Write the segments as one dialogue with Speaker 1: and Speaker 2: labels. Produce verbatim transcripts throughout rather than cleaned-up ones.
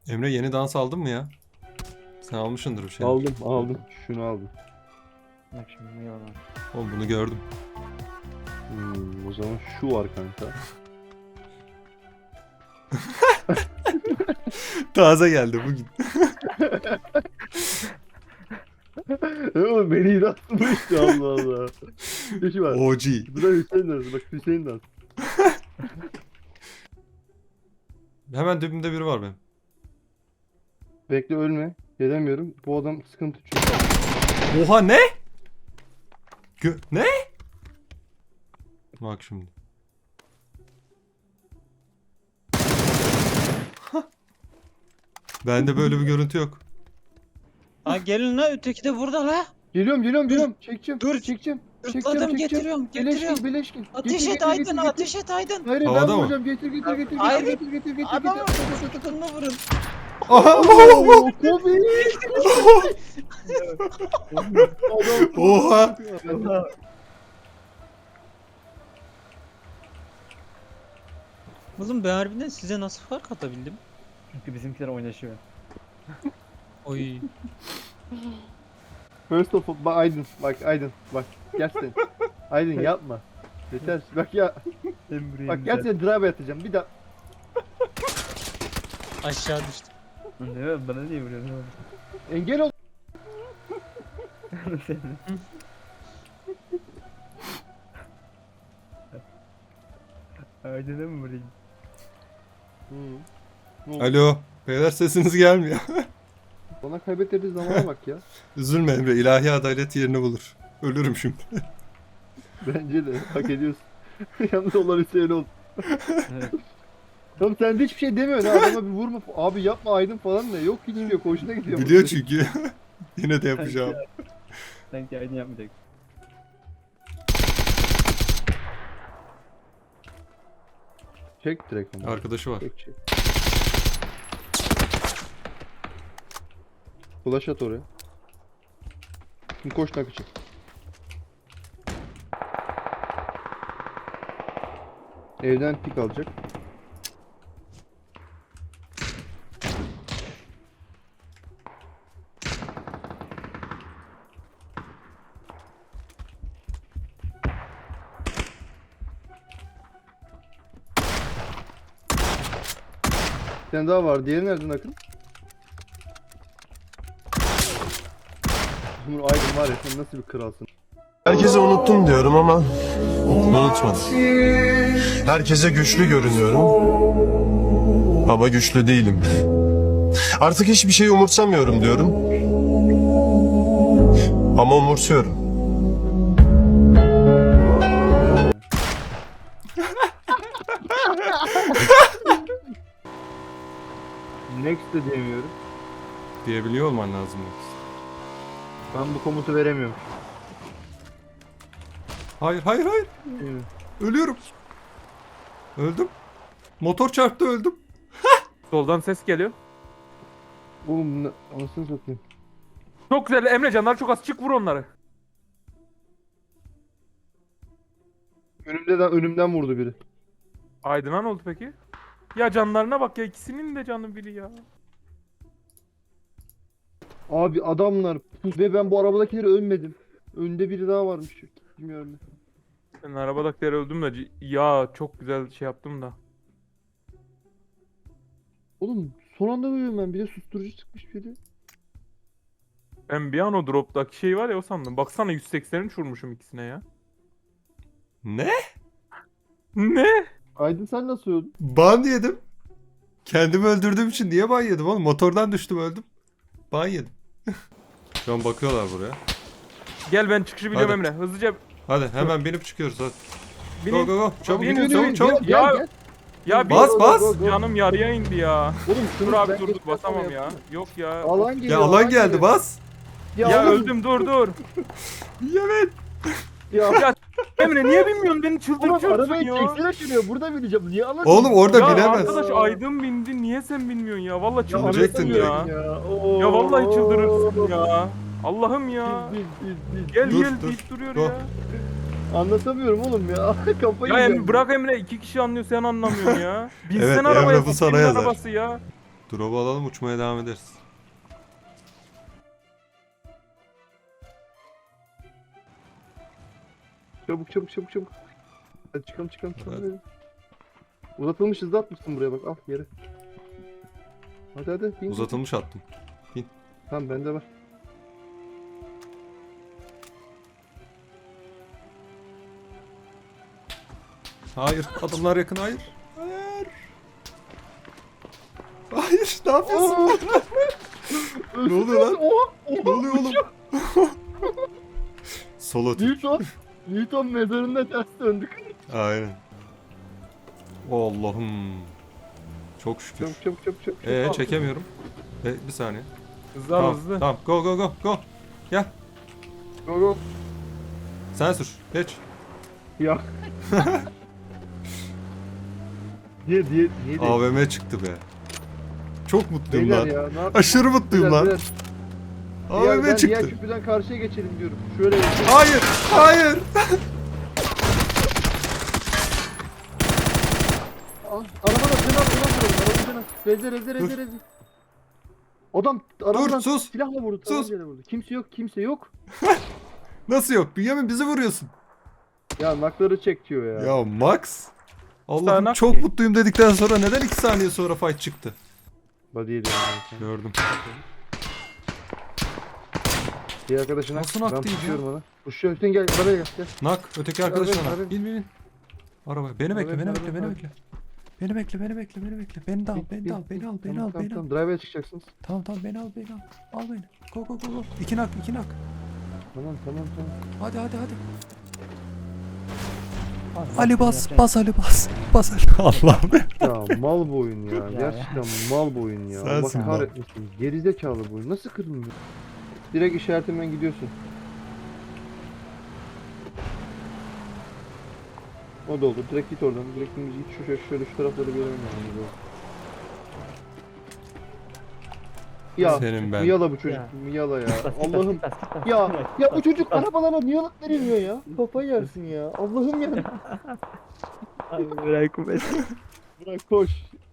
Speaker 1: Emre yeni dans aldın mı ya? Sen almışsındır bir şey.
Speaker 2: Aldım aldım. Şunu aldım.
Speaker 3: Bak şimdi ne yalan.
Speaker 1: Oğlum bunu gördüm.
Speaker 2: Hmm, o zaman şu var kanka.
Speaker 1: Taze geldi bugün.
Speaker 2: Oğlum beni inatmıştı Allah Allah. Peki var.
Speaker 1: O G.
Speaker 2: Bu da Hüseyin dansı. Bak Hüseyin dansı.
Speaker 1: Hemen dibimde biri var benim.
Speaker 2: Bekle ölme. Gelemiyorum. Bu adam sıkıntı çünkü.
Speaker 1: Oha ne? Gö ne? Bak şimdi. Bende böyle bir görüntü yok.
Speaker 3: Ha gelin la, öteki de burada la.
Speaker 2: Geliyorum geliyorum geliyorum. Çekeceğim.
Speaker 3: Dur.
Speaker 2: Çekeceğim.
Speaker 3: Hırtladım,
Speaker 2: Çekeceğim
Speaker 3: getiriyorum,
Speaker 2: çekeceğim.
Speaker 3: getiriyorum.
Speaker 2: Bileşkin bileşkin.
Speaker 3: Ateş
Speaker 2: Getir,
Speaker 3: et
Speaker 2: getir,
Speaker 3: Aydın,
Speaker 2: getir, getir.
Speaker 3: ateş et Aydın.
Speaker 2: Hayır
Speaker 1: Havada
Speaker 2: ben
Speaker 1: mı?
Speaker 2: vuracağım. Getir getir getir.
Speaker 3: Hayır.
Speaker 2: Getir getir getir getir.
Speaker 3: Adamı
Speaker 2: getir.
Speaker 3: tutunma vurun.
Speaker 1: Aha!
Speaker 2: Oo, Kobe.
Speaker 1: Oha!
Speaker 3: Oğlum ben harbiden size nasıl fark atabildim?
Speaker 4: Çünkü bizimkiler oynaşıyor.
Speaker 3: Oy.
Speaker 2: First of all, bak Aydın, bak Aydın, bak gel sen. Aydın yapma. Yeter, bak ya, bak gel seni drive atacağım bir daha.
Speaker 3: Aşağı düştüm.
Speaker 4: Ne bana niye vuruyorsun oğlum?
Speaker 2: Engel ol.
Speaker 4: Aydın'a mı vurayım?
Speaker 2: Hı.
Speaker 1: Alo. Beyler sesiniz gelmiyor.
Speaker 2: Bana kaybettirdiği zamana bak ya.
Speaker 1: Üzülme Emre. İlahi adalet yerini bulur. Ölürüm şimdi.
Speaker 2: Bence de hak ediyorsun. Yalnız olan Hüseyin ol.
Speaker 4: Evet.
Speaker 2: Tamam sen de hiçbir şey demiyorsun ha, adama bir vurma. Abi yapma Aydın falan da yok hiç yok hoşuna gidiyor.
Speaker 1: Biliyor çünkü. Yine de yapacağım.
Speaker 4: Sanki Aydın yapmayacak.
Speaker 2: Çek direkt ama.
Speaker 1: Arkadaşı var.
Speaker 2: Çek çek. Flash at oraya. Şimdi koş nakıcı. Evden pik alacak. Bir tane daha var. Diğeri nereden Akın? Umur Aydın var ya sen nasıl bir kralsın.
Speaker 5: Herkese unuttum diyorum ama unutmadım. Herkese güçlü görünüyorum ama güçlü değilim. Artık hiçbir şeyi umursamıyorum diyorum ama umursuyorum.
Speaker 2: Next de diyemiyorum.
Speaker 1: Diyebiliyor olman lazım.
Speaker 2: Ben bu komutu veremiyorum.
Speaker 1: Hayır hayır hayır.
Speaker 2: Evet.
Speaker 1: Ölüyorum. Öldüm. Motor çarptı öldüm.
Speaker 6: Soldan ses geliyor.
Speaker 2: Oğlum ne? Anasını satayım.
Speaker 6: Çok güzel Emre, canlar çok az, çık vur onları.
Speaker 2: Önümden, önümden vurdu biri.
Speaker 6: Aydın'a ne oldu peki? Ya canlarına bak ya, ikisinin de canı biri ya.
Speaker 2: Abi adamlar ve ben bu arabadakileri ölmedim. Önde biri daha varmış. Bilmiyorum.
Speaker 6: Ben arabadakileri öldüm de c- ya çok güzel şey yaptım da.
Speaker 2: Oğlum son anda ölüyorum ben. Bir de susturucu çıkmış biri.
Speaker 6: Ben bir an o drop'taki şey var ya o sandım. Baksana yüz seksen üç vurmuşum ikisine ya.
Speaker 1: Ne?
Speaker 6: Ne?
Speaker 2: Aydın sen nasıl öldün?
Speaker 1: Ban yedim. Kendimi öldürdüğüm için niye ban yedim oğlum? Motordan düştüm öldüm. Ban yedim. Şu an bakıyorlar buraya.
Speaker 6: Gel ben çıkışı biliyorum
Speaker 1: Hadi.
Speaker 6: Emre. Hızlıca
Speaker 1: Hadi hemen binip çıkıyoruz hadi. Go
Speaker 6: binin.
Speaker 1: go go. Çabuk
Speaker 6: Binin,
Speaker 1: binin
Speaker 6: binin,
Speaker 1: çabuk çabuk.
Speaker 2: Gel,
Speaker 6: Ya-
Speaker 2: gel, gel.
Speaker 6: Ya bir
Speaker 1: Bas bas.
Speaker 2: Go, go, go.
Speaker 6: canım yarıya indi ya.
Speaker 2: Oğlum
Speaker 6: Dur
Speaker 2: şunu
Speaker 6: abi
Speaker 2: ben
Speaker 6: dur
Speaker 2: geçen
Speaker 6: basamam
Speaker 2: sene
Speaker 6: ya.
Speaker 2: yaptım.
Speaker 6: Yok ya.
Speaker 2: Alan geliyor.
Speaker 1: Ya alan geldi
Speaker 2: geliyor.
Speaker 1: bas.
Speaker 2: Ya,
Speaker 6: Ya
Speaker 2: oğlum,
Speaker 6: öldüm dur dur.
Speaker 1: Evet.
Speaker 2: Ya,
Speaker 6: Ya Emre niye bilmiyorsun beni
Speaker 2: oğlum
Speaker 6: çıldırtıyorsun
Speaker 2: arabayı
Speaker 6: ya.
Speaker 2: çeksene şuraya. Burada bineceğim. Niye alan?
Speaker 1: Oğlum orada
Speaker 6: Ya
Speaker 1: binemez.
Speaker 6: arkadaş Aydın bindi, niye sen bilmiyorsun ya? Vallahi
Speaker 2: Ya
Speaker 6: çıldırırsın
Speaker 1: anlatamıyorum
Speaker 6: ya.
Speaker 2: Ya, Oo.
Speaker 6: Ya vallahi çıldırırsın ya. Allah'ım ya.
Speaker 2: Bil, bil, bil, bil.
Speaker 6: Gel
Speaker 1: Dur,
Speaker 6: gel
Speaker 1: dur,
Speaker 6: deyip duruyor
Speaker 1: dur.
Speaker 6: ya.
Speaker 2: Anlatamıyorum oğlum ya. Kafayı
Speaker 6: Ya
Speaker 2: yiyeceğim.
Speaker 6: Emre bırak Emre, iki kişi anlıyor sen anlamıyorsun ya. Binsene
Speaker 1: Evet,
Speaker 6: arabaya,
Speaker 1: Emre bu sana
Speaker 6: kimin
Speaker 1: yazar.
Speaker 6: arabası ya.
Speaker 1: Drop'u alalım, uçmaya devam ederiz.
Speaker 2: Çabuk çabuk çabuk çabuk. Hadi çıkalım çıkalım çıkalım.
Speaker 1: Hadi.
Speaker 2: Hadi. Uzatılmış hızlı atmışsın buraya bak. Al yere. Hadi hadi. Bin.
Speaker 1: Uzatılmış attım.
Speaker 2: Tamam bende var.
Speaker 1: Hayır, adamlar yakın, hayır. Hayır. Hayır, ne yapıyorsun? Ne oluyor lan?
Speaker 2: Oha!
Speaker 1: Ne oluyor oğlum? Solo tip.
Speaker 2: Newton! Newton mezarında ters döndük.
Speaker 1: Aynen. Allah'ım. Çok şükür.
Speaker 2: Çabuk çabuk çabuk çabuk.
Speaker 1: Ee
Speaker 2: çabuk.
Speaker 1: çekemiyorum. E, bir saniye.
Speaker 6: Hızlı al
Speaker 1: Tamam,
Speaker 6: hızlı.
Speaker 1: tamam. Go go go go. Gel.
Speaker 2: Go go.
Speaker 1: Sen sür. Geç.
Speaker 2: Ya. Diye diye diye.
Speaker 1: A V M çıktı be. Çok mutluyum
Speaker 2: Beyler
Speaker 1: lan.
Speaker 2: ya ne yap-
Speaker 1: Aşırı mutluyum
Speaker 2: Beyler,
Speaker 1: lan.
Speaker 2: beyler.
Speaker 1: A
Speaker 2: Diğer-
Speaker 1: V
Speaker 2: ben
Speaker 1: M
Speaker 2: diğer
Speaker 1: çıktı.
Speaker 2: köprüden karşıya geçelim diyorum. Şöyle geçelim.
Speaker 1: Hayır. Hayır.
Speaker 2: Aa, Arabada sen al, sen al, arabada sen al. Rezil rezil rezil
Speaker 1: Dur.
Speaker 2: rezil. Adam arabadan
Speaker 1: sus.
Speaker 2: silahla vurdu.
Speaker 1: Sus.
Speaker 2: tabancalayla vurdu. Kimse yok, kimse yok.
Speaker 1: Nasıl yok? Bünyamin bizi vuruyorsun.
Speaker 2: Ya nakları çek diyor ya.
Speaker 1: Ya Max. Allah'ım
Speaker 6: Sağnak
Speaker 1: çok
Speaker 6: ki.
Speaker 1: mutluyum dedikten sonra neden iki saniye sonra fight çıktı?
Speaker 2: Body'ydi yani.
Speaker 1: Gördüm.
Speaker 2: Bir arkadaşına
Speaker 1: Nasıl
Speaker 2: ben
Speaker 1: naktıydı ya?
Speaker 2: tutuyorum ona. Kuşuyor Hüseyin gel arabaya gel. gel.
Speaker 1: Nak. Öteki arkadaşına
Speaker 2: Arabaya,
Speaker 1: nak.
Speaker 2: arabaya.
Speaker 1: Bin bin bin. Araba. Beni bekle,
Speaker 2: Arabaya,
Speaker 1: beni
Speaker 2: arabaya,
Speaker 1: bekle, beni
Speaker 2: arabaya.
Speaker 1: bekle. Beni bekle, beni bekle, beni bekle. Beni de al,
Speaker 2: Bin,
Speaker 1: beni
Speaker 2: bin,
Speaker 1: de al, beni
Speaker 2: bin.
Speaker 1: al, beni
Speaker 2: Tamam,
Speaker 1: al,
Speaker 2: tamam,
Speaker 1: beni al.
Speaker 2: tamam. Drive'e çıkacaksınız.
Speaker 1: Tamam tamam beni al, beni al. Al beni. Go go go go. İki nak, iki nak.
Speaker 2: Tamam tamam tamam.
Speaker 1: Hadi hadi hadi.
Speaker 4: Abi,
Speaker 1: Ali bas,
Speaker 4: yapacak-
Speaker 1: bas Ali bas. Bas Ali. Allah'ım.
Speaker 2: Ya mal bu oyun ya.
Speaker 4: Ya,
Speaker 2: Gerçekten mal bu oyun ya.
Speaker 1: Sensin
Speaker 2: Allah
Speaker 1: mal.
Speaker 2: kahretmesin. Gerizekalı bu oyun. Nasıl kırılmıyor? Direkt işaretimden gidiyorsun. O da olur. Direkt git oradan. Direkt dümdüz git. Şu şöyle, şöyle şu tarafları görelim yani. Ya
Speaker 1: Senin ben.
Speaker 2: Miyala bu çocuk.
Speaker 4: Ya.
Speaker 2: Miyala ya.
Speaker 4: Bas, git, bas,
Speaker 2: Allah'ım.
Speaker 4: git, bas, git, bas.
Speaker 2: Ya ya bu
Speaker 4: Bas,
Speaker 2: çocuk
Speaker 4: bas.
Speaker 2: arabalara niye alıp verilmiyor ya? Kafayı yersin ya. Allah'ım ya.
Speaker 4: Abi bırak bu mesele.
Speaker 2: Bırak koş.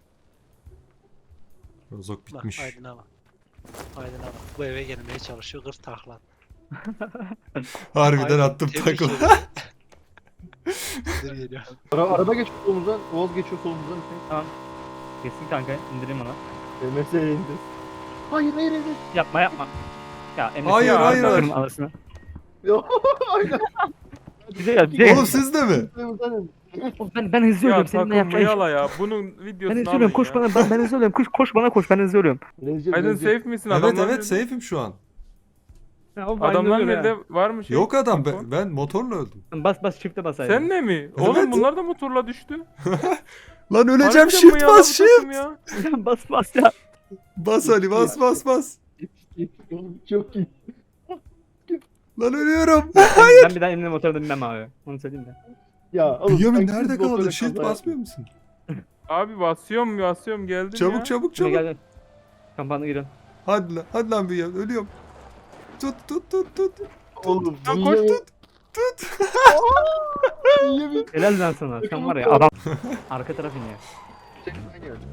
Speaker 1: Rozok
Speaker 3: Bak
Speaker 1: bitmiş.
Speaker 3: Aydın'a bak. Aydın'a bak. Bu eve gelmeye çalışıyor. Kır takla.
Speaker 1: Harbiden
Speaker 3: Aydın,
Speaker 1: attım
Speaker 3: tebrik
Speaker 1: takla.
Speaker 3: ederim. Dur geliyor.
Speaker 2: Ara, araba geçiyor solumuzdan. Oğuz geçiyor solumuzdan.
Speaker 4: Kesin kanka indireyim ona.
Speaker 2: M S indi. Hayır hayır hayır.
Speaker 4: Yapma yapma. Ya Emre
Speaker 1: Hayır,
Speaker 4: seni
Speaker 1: hayır,
Speaker 4: arkalarım
Speaker 1: hayır.
Speaker 4: arasına.
Speaker 2: Ya aynen.
Speaker 4: Bize gel bize gel.
Speaker 1: Oğlum sizde mi?
Speaker 4: Oğlum Ben, ben hızlı
Speaker 6: Ya
Speaker 4: ölüyorum seninle
Speaker 6: takım
Speaker 4: yapacağın iş.
Speaker 6: yala ya. Bunun
Speaker 4: Ben
Speaker 6: videosunu
Speaker 4: hızlı
Speaker 6: alın
Speaker 4: ölüyorum koş
Speaker 6: ya.
Speaker 4: bana ben, ben hızlı ölüyorum koş, koş bana koş ben hızlı ölüyorum.
Speaker 2: Rezil
Speaker 6: Aydın
Speaker 2: rezil.
Speaker 6: safe misin?
Speaker 1: Evet
Speaker 6: Adamlar
Speaker 1: evet
Speaker 6: nerede?
Speaker 1: safe'im şu an.
Speaker 4: Ya, oğlum, ben
Speaker 6: Adamlar
Speaker 4: hızlı ölüyorum
Speaker 6: nerede? Var mı şey?
Speaker 1: Yok adam
Speaker 6: info?
Speaker 1: ben, ben motorla öldüm.
Speaker 4: ya. Bas bas çifte bas Aydın.
Speaker 6: Sen ne mi? Oğlum
Speaker 1: Evet.
Speaker 6: bunlar da motorla düştü.
Speaker 1: Lan öleceğim,
Speaker 6: Harbiden mi
Speaker 1: shift
Speaker 6: ya
Speaker 1: bas
Speaker 6: bu
Speaker 1: shift.
Speaker 6: takım ya?
Speaker 4: bas bas ya.
Speaker 1: Bas Ali bas bas bas.
Speaker 2: Çok iyi.
Speaker 1: Lan ölüyorum.
Speaker 4: Ben bir daha elimle motorda binmem abi. Onu söyleyeyim de.
Speaker 2: Ya oğlum,
Speaker 1: Bünyamin
Speaker 2: sen
Speaker 1: nerede
Speaker 2: kız motora
Speaker 1: kaldı? Shift
Speaker 2: kaza
Speaker 1: basmıyor musun?
Speaker 6: Abi basıyorum basıyorum geldim
Speaker 1: Çabuk
Speaker 6: ya.
Speaker 1: çabuk
Speaker 4: Gel
Speaker 1: çabuk.
Speaker 4: gel gel. Kampanya girin.
Speaker 1: Hadi lan hadi lan Bünyamin ölüyorum. Tut tut tut tut.
Speaker 2: yap- Oğlum
Speaker 1: Ya
Speaker 2: niye-
Speaker 1: koş tut. Tut.
Speaker 2: niye bir-
Speaker 4: Helal lan sana. Sen var ya adam. Arka taraf iniyor.
Speaker 2: Çekmen gel.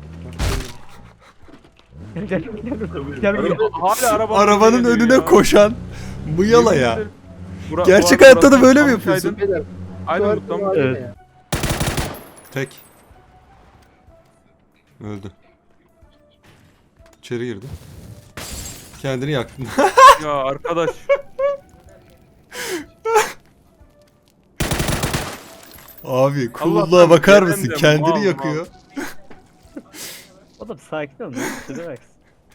Speaker 4: Gel gel gel. Gel gel.
Speaker 6: Hala araba
Speaker 1: Arabanın önüne koşan mıyala ya.
Speaker 6: Bura-
Speaker 1: Gerçek
Speaker 6: bu arada
Speaker 1: hayatta da böyle mi
Speaker 6: almış
Speaker 1: yapıyorsun?
Speaker 6: Aydın.
Speaker 2: Beyler,
Speaker 6: Aydın
Speaker 2: şu
Speaker 6: mutlu
Speaker 2: harita
Speaker 6: mu?
Speaker 2: var
Speaker 4: Evet.
Speaker 2: ya.
Speaker 1: Tek. Öldü. İçeri girdi. Kendini yaktın.
Speaker 6: Ya arkadaş.
Speaker 1: Abi
Speaker 6: Allah'tan
Speaker 1: cool'luğa bakar mısın?
Speaker 6: gelemem,
Speaker 1: Kendini
Speaker 6: mal,
Speaker 1: yakıyor.
Speaker 4: Oğlum sakin ol lan. Şuraya bak.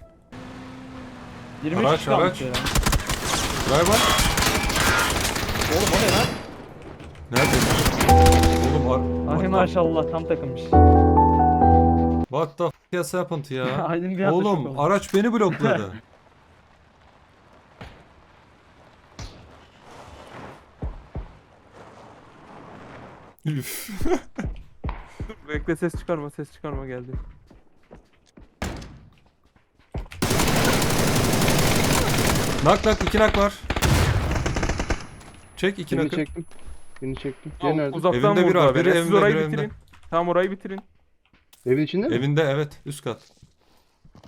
Speaker 4: yirmi üç
Speaker 1: Araç,
Speaker 4: kişi kalmış
Speaker 1: araç.
Speaker 4: ya.
Speaker 1: Drive var.
Speaker 4: Oğlum o ne lan?
Speaker 1: Nerede? Oğlum ar-
Speaker 4: Ay
Speaker 1: ar-
Speaker 4: maşallah tam takılmış.
Speaker 1: What the f has happened ya?
Speaker 4: Aydın bir anda şok
Speaker 1: Oğlum
Speaker 4: oldu.
Speaker 1: araç beni blokladı. Üf.
Speaker 6: Dur, bekle ses çıkarma ses çıkarma geldi.
Speaker 1: Nak nak iki nak var. Çek iki
Speaker 2: Birini
Speaker 1: nakı.
Speaker 2: çektim. Birini çektim. Diğeri
Speaker 6: Tamam,
Speaker 2: nerede?
Speaker 6: uzaktan
Speaker 1: Evinde biri
Speaker 6: vurdular
Speaker 1: var, biri
Speaker 6: beni. Siz
Speaker 1: evinde,
Speaker 6: orayı
Speaker 1: biri
Speaker 6: bitirin.
Speaker 1: evinde.
Speaker 6: Tamam orayı bitirin.
Speaker 2: Evin içinde mi?
Speaker 1: Evinde evet üst kat.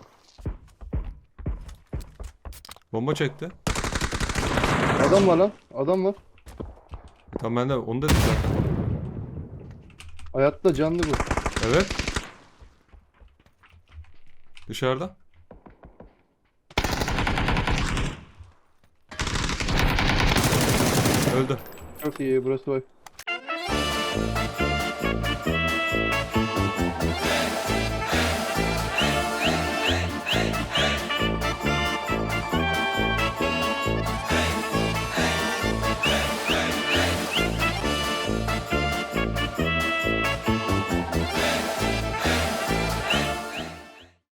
Speaker 1: Bomba çekti.
Speaker 2: Adam var lan. Adam var.
Speaker 1: E, tamam ben de onu dedim zaten.
Speaker 2: Hayatta canlı bu.
Speaker 1: Evet. Dışarıda. Öldü.
Speaker 2: Çok iyi burası bak.